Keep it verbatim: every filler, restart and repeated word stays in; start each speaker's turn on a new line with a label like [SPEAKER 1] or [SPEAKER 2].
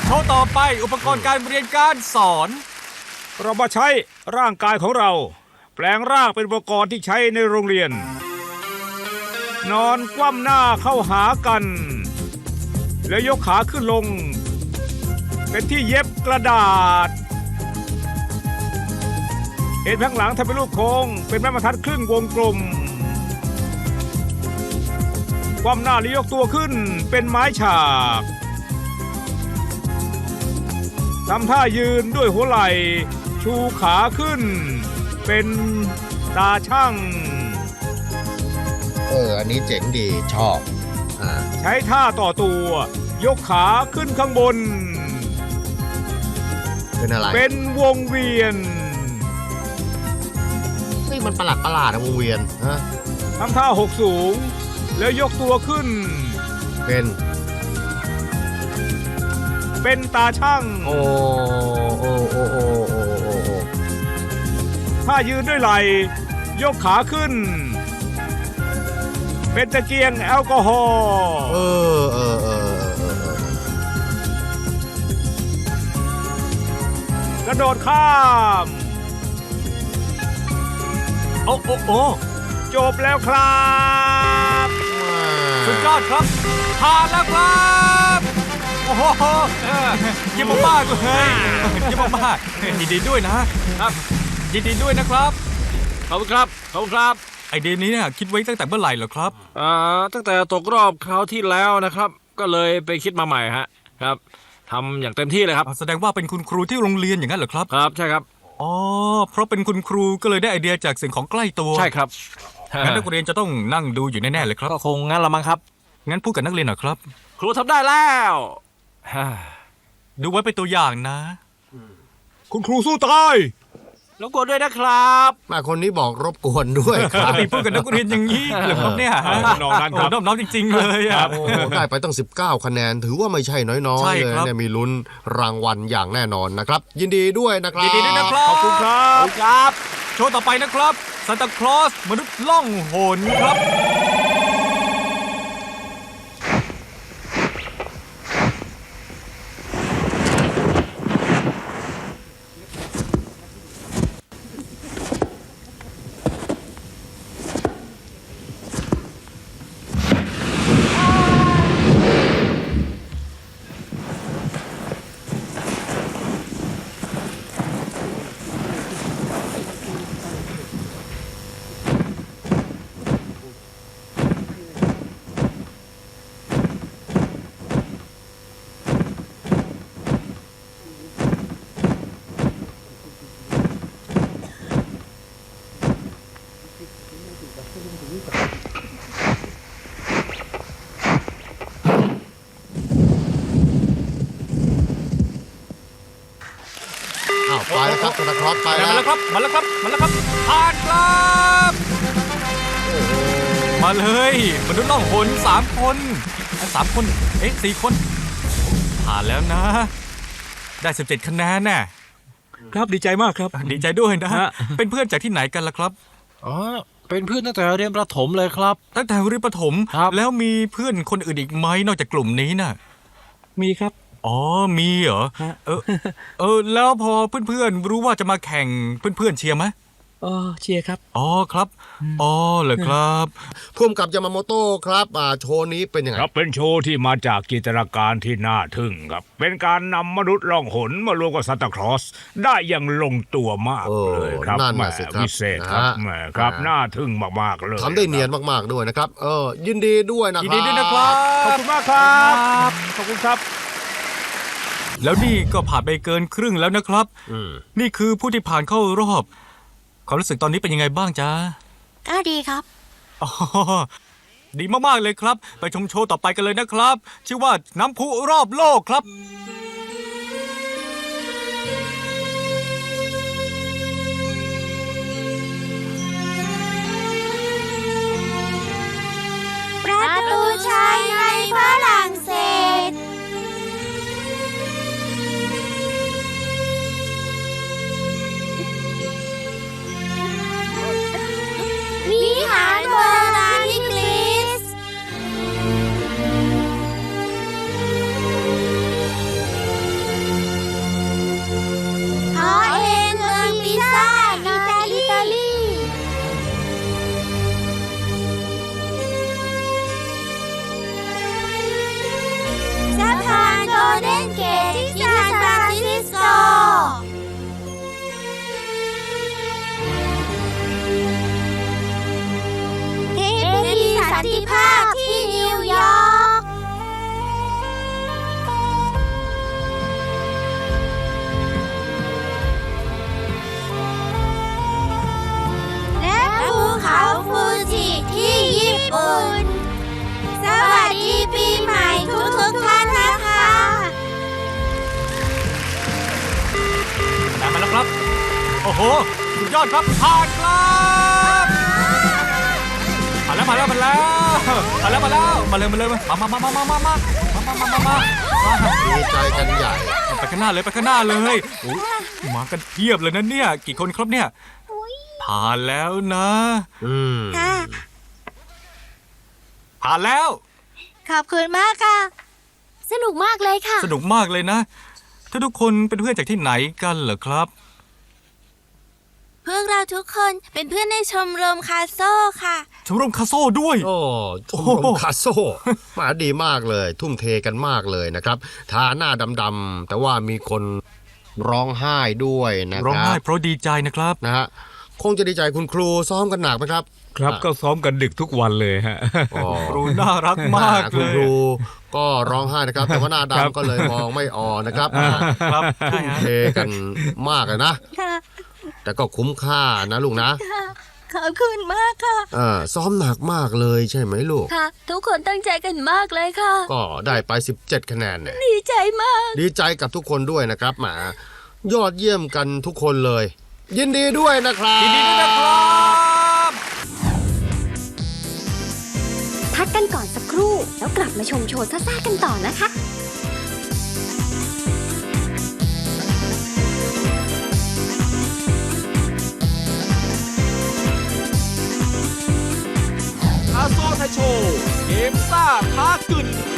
[SPEAKER 1] โชว์ต่อไปอุปกรณ์การเรียนการสอน
[SPEAKER 2] เรามาใช้ร่างกายของเรา แปลงร่างเป็นอุปกรณ์ที่ใช้ในโรงเรียน นอนคว่ำหน้าเข้าหากัน แล้วยกขาขึ้นลง เป็นที่เย็บกระดาษเอ็นข้างหลังทำเป็นรูปโค้งเป็นไม้บรรทัดครึ่งวงกลมคว่ำหน้าแล้วยกตัวขึ้นเป็นไม้ฉากทำท่ายืนด้วยหัวไหล่ชูขาขึ้นเป็นตาช่าง
[SPEAKER 3] เอออันนี้เจ๋งดีชอบอ่า
[SPEAKER 2] ใช้ท่าต่อตัวยกขาขึ้นข้างบน
[SPEAKER 3] เป็นอะไร
[SPEAKER 2] เป็นวงเวียน
[SPEAKER 3] นี่มันประหลาดประหลาดนะวงเวียนฮะ
[SPEAKER 2] ทำท่าหกสูงแล้วยกตัวขึ้น
[SPEAKER 3] เป็น
[SPEAKER 2] เป็นตาช่าง
[SPEAKER 3] โอ้โอ้โอ้โอ้โอ้โอ้โอ้
[SPEAKER 2] ถ้ายืนด้วยไหล่ยกขาขึ้นเป็นตะเกียงแอลกอฮอล์
[SPEAKER 3] เออเออเออเออเอ
[SPEAKER 2] อกระโดดข้ามโอ้โอ้โอ้จบแล้วครับ
[SPEAKER 1] สุดยอดครับผ่านแล้วครับโอ้โหเยี่ยมมากเลยเยี่ยมมากยินดีด้วยนะครับยินดีด้วยนะครับ
[SPEAKER 4] ขอบคุณครับขอบคุณครับ
[SPEAKER 1] ไอเดียนี้เนี่ยคิดไว้ตั้งแต่เมื่อไหร่เหรอครับ
[SPEAKER 4] อ่าตั้งแต่ตกรอบคราวที่แล้วนะครับก็เลยไปคิดมาใหม่ฮะครับทำอย่างเต็มที่เลยครับ
[SPEAKER 1] แสดงว่าเป็นคุณครูที่โรงเรียนอย่างนั้นเหรอครับ
[SPEAKER 4] ครับใช่ครับ
[SPEAKER 1] อ๋อเพราะเป็นคุณครูก็เลยได้ไอเดียจากสิ่งของใกล้ตัว
[SPEAKER 4] ใช่ครับ
[SPEAKER 1] งั้นนักเรียนจะต้องนั่งดูอยู่แน่ๆเลยครับ
[SPEAKER 4] ก็คงงั้นละมั้งครับ
[SPEAKER 1] งั้นพูดกับนักเรียนหน่อยครับ
[SPEAKER 4] ครูทำได้แล้ว
[SPEAKER 1] ดูไว้เป็นตัวอย่างนะ
[SPEAKER 2] คุณครูสู้ตาย
[SPEAKER 4] รบกวนด้วยนะครับ
[SPEAKER 3] มาคนนี้บอกรบกวนด้วยครั
[SPEAKER 1] บพูดกับนักเรียนอย่างนี้เหรอครับเนี่ย
[SPEAKER 2] น้องนั่นครับ
[SPEAKER 1] น้องจริงๆเลยอ่ะ
[SPEAKER 3] โอ้ได้ไปตั้งสิบเก้าคะแนนถือว่าไม่ใช่น้อยๆเลยเนี่ยมีลุ้นรางวัลอย่างแน่นอนนะครับยินดีด้วยนะครับ
[SPEAKER 1] ยินดีด้วยนะครับ
[SPEAKER 2] ขอบคุณครับ
[SPEAKER 4] ครับ
[SPEAKER 1] โชว์ต่อไปนะครับซานตาคลอสมนุษย์ล่องหนครับ
[SPEAKER 3] ไปแล้วครับธนาคารไป
[SPEAKER 1] แล้วมาแล้วครับมาแล้วครับมาแล้วครับผ่านครับมาเลยมนุษย์ล่องหนสามคนสามคนเอ๊ะสี่คนผ่านแล้วนะได้สิบเจ็ดคะแนนน่ะ
[SPEAKER 2] ครับดีใจมากครับ
[SPEAKER 1] ดีใจด้วยนะเป็นเพื่อนจากที่ไหนกันล่ะครับ
[SPEAKER 4] อ๋อเป็นเพื่อนตั้งแต่เรียนประถมเลยครับ
[SPEAKER 1] ตั้งแต่เรียนประถมแล้วมีเพื่อนคนอื่นอีกไหมนอกจากกลุ่มนี้น่ะ
[SPEAKER 2] มีครับ
[SPEAKER 1] อ๋อมีเหรอเออเออแล้วพอเพื่อนๆรู้ว่าจะมาแข่งเพื่อนๆเชียร์ไหม
[SPEAKER 2] อ๋อเชียร์ครับ
[SPEAKER 1] อ๋อครับอ๋อเหรอครับ
[SPEAKER 3] พุ่มกับยามาโมโต้ครับอ่าโชว์นี้เป็นยังไง
[SPEAKER 2] ครับเป็นโชว์ที่มาจากจินตนาการที่น่าทึ่งครับเป็นการนำมนุษย์ล่องหนมารวมกับซานตาคลอสได้อย่างลงตัวมากเลยครับแหมพิเศษครับแหมครับน่าทึ่งมากๆเลย
[SPEAKER 3] ทำได้เนียนมากๆด้วยนะครับเออยินดีด้วยนะครับ
[SPEAKER 1] ยินดีด้วยนะครับ
[SPEAKER 2] ขอบคุณมากครับขอบคุณครับ
[SPEAKER 1] แล้วนี่ก็ผ่านไปเกินครึ่งแล้วนะครับนี่คือผู้ที่ผ่านเข้ารอบความรู้สึกตอนนี้เป็นยังไงบ้างจ๊ะ
[SPEAKER 5] ก็ดีครับ
[SPEAKER 1] อ๋อดีมากๆเลยครับไปชมโชว์ต่อไปกันเลยนะครับชื่อว่าน้ำพุรอบโลกครับ
[SPEAKER 5] ประตูชัยในฝรั่งเศสวิหารโบราณที่กรีซ
[SPEAKER 1] ครับ โอ้โหสุดยอดครับผ่านครับมาแล้วมาแล้วมาแล้วมาแล้วมาแล้วมาเลยมาเลยมามามามามามามามามามามามา
[SPEAKER 3] ดีใจกันใหญ่
[SPEAKER 1] ไปข้างหน้าเลยไปข้างหน้าเลยโอ้ยมากันเพียบเลยนะเนี่ยกี่คนครับเนี่ยผ่านแล้วนะ
[SPEAKER 3] อืม
[SPEAKER 5] ค่ะ
[SPEAKER 1] ผ่านแล้ว
[SPEAKER 5] ขอบคุณมากค่ะ สนุกมากเลยค่ะ
[SPEAKER 1] สนุกมากเลยนะถ้าทุกคนเป็นเพื่อนจากที่ไหนกันเหรอครับ
[SPEAKER 5] พวกเราทุกคนเป็นเพื่อนในชมรมคาโซ่ค่ะ
[SPEAKER 1] ชมรมคาโซ่ด้วย
[SPEAKER 3] โอ้ชมรมคาโซ่มาดีมากเลย ทุ่มเทกันมากเลยนะครับทาหน้าดำๆแต่ว่ามีคนร้องไห้ด้วยนะค
[SPEAKER 1] ร้อง
[SPEAKER 3] รั
[SPEAKER 1] ไห้
[SPEAKER 3] บ
[SPEAKER 1] เพราะดีใจนะครับ
[SPEAKER 3] นะฮะคงจะดีใจคุณครูซ้อมกันหนักไหมครับ
[SPEAKER 2] ครับก็ซ้อมกันดึกทุกวันเลยฮะ
[SPEAKER 3] อ๋อ
[SPEAKER 1] ครูน่ารักมาก
[SPEAKER 3] คุ
[SPEAKER 1] เล
[SPEAKER 3] ณ
[SPEAKER 1] ย
[SPEAKER 3] ครูก็ร้องไห้นะครับ แต่ว่าหน้า
[SPEAKER 2] ครับ
[SPEAKER 3] ดำก็เลยมองไม่ออกนะครับ
[SPEAKER 1] ครับ
[SPEAKER 3] ทุ่มเทกันมากเลยนะ
[SPEAKER 5] ค่ะ
[SPEAKER 3] แต่ก็คุ้มค่านะลูกนะ
[SPEAKER 5] ค่ะ ขอบคุณมากค่ะ
[SPEAKER 3] เออซ้อมหนักมากเลยใช่ไหมลูก
[SPEAKER 5] ค่ะ ทุกคนตั้งใจกันมากเลยค่ะ
[SPEAKER 3] ก็ได้ไปสิบเจ็ดคะแนนเนี่ย
[SPEAKER 5] ดีใจมาก
[SPEAKER 3] ดีใจกับทุกคนด้วยนะครับแหมยอดเยี่ยมกันทุกคนเลย ยินดีด้วยนะครับ
[SPEAKER 1] ยินดีด้วยนะครับ
[SPEAKER 6] พักกันก่อนสักครู่ แล้วกลับมาชมโชว์ซ่าๆกันต่อนะคะ
[SPEAKER 4] อาโซไทยโชว์เกมซ่าท้ากึ่น